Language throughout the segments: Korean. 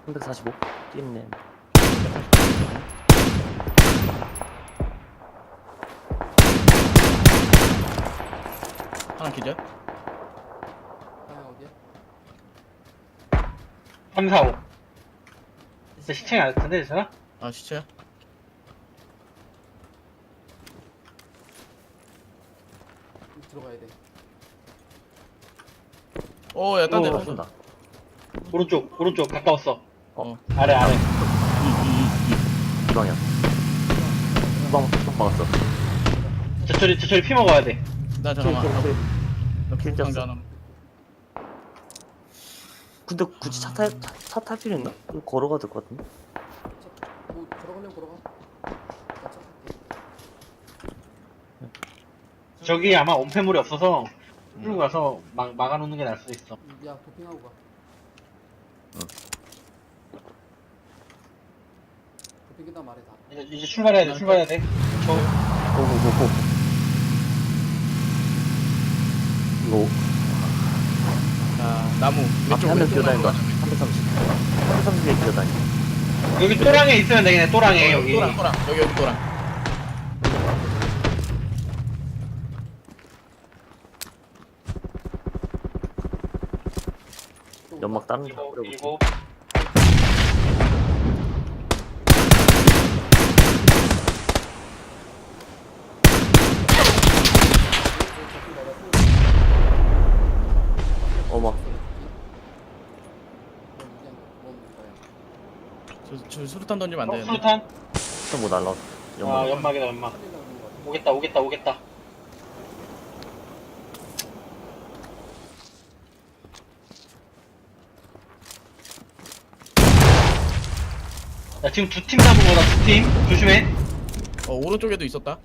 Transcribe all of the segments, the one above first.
345 뛰네. 하나 기절. 방향 어디야? 3, 4, 5. 진짜 시청이 안 텐데, 괜찮아? 아 시체야. 들어가야 돼. 오야 딴 데. 오, 쏜다. 오른쪽, 가까웠어. 어. 아래. 이 방향. 방 막았어. 저철이 피 먹어야 돼. 나 잠깐만. 킬 상자 쪘어. 하나. 근데 굳이 차 탈 필요 있나? 좀 걸어가야 될 것 같은데. 뭐 걸어가려면 걸어가. 나 차 탈게. 저기 아마 온폐물이 없어서 끌고 가서 막아놓는 게 나을 수도 있어. 야 도핑하고 가. 응. 도핑 끝나 말해 다. 이제 출발해야 돼. 고고고고. 이거 자 나무. 앞에 한 명 뛰어다닌다. 330. 330에 뛰어다니. 여기 또랑에 있으면 되겠네, 또랑에, 여기. 또랑 여기 또랑. 또 연막 다른 데 이거, 뿌려볼게. 이거. 어머. 저 수류탄 던지면 안 되는데. 수류탄? 또 뭐 날라왔어. 아, 연막이다, 연막. 오겠다. 야, 지금 두 팀 잡은 거다, 두 팀. 조심해. 오른쪽에도 있었다.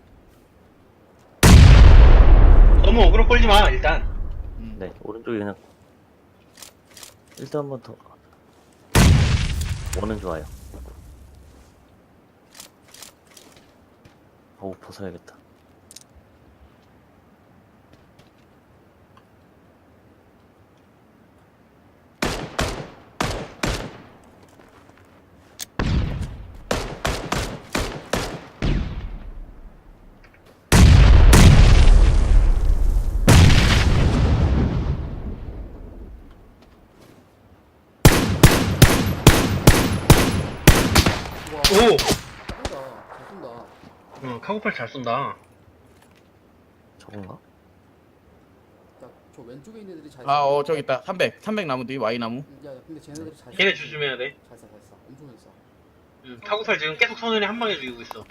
너무 어그로 끌지 마, 일단. 네, 오른쪽에 그냥 일단 한 번 더. 원은 좋아요. 어우, 벗어야겠다. 오! 쏜다. 잘 쏜다. 카고팔 잘 쏜다. 저건가? 저 왼쪽에 있는 애들이 잘. 저기 있다. 300 나무 뒤 Y 나무. 야 근데 쟤네들이 잘. 걔네 조심해야 돼. 잘 쏴. 엄청 잘 쏴. 카고팔 지금 계속 손을 한 방에 죽이고 있어.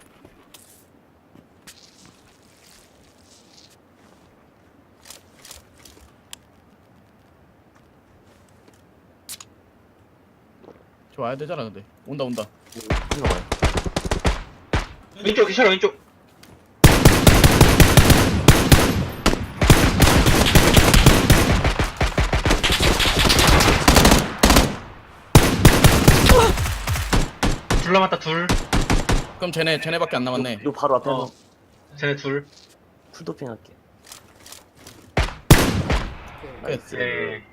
저 와야 되잖아 근데. 온다. 이거 봐요. 왼쪽, 기차라, 왼쪽. 둘 남았다, 둘. 그럼 쟤네밖에 안 남았네. 요 바로 앞에 어. 한번 쟤네 둘. 풀도핑 할게. 오케이. 나이스. 네.